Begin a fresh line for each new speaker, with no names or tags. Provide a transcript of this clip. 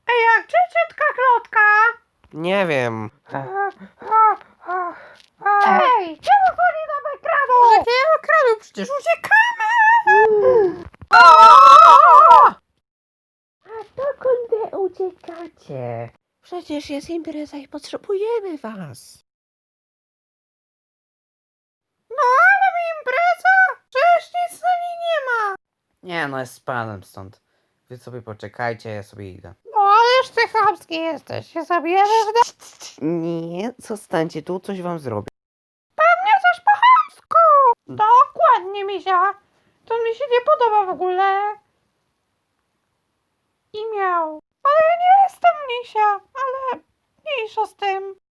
Jak ciotka Klotka?
Nie wiem.
Ej, czemu chodzi nam ekranu?
Jakiego ekranu? Przecież uciekamy! A dokąd uciekacie? Przecież jest impreza i potrzebujemy was.
No ale mi impreza? Przecież nic na niej nie ma.
Nie no, jest z panem stąd. Wy sobie poczekajcie, ja sobie idę.
No ależ ty chamski jesteś. Się zabierzesz do...
Nie, zostańcie tu, coś wam zrobię.
Pewnie coś po chamsku. Dokładnie, misia. To mi się nie podoba w ogóle. I miał. Ale ja nie jestem misia, ale mniejsza z tym.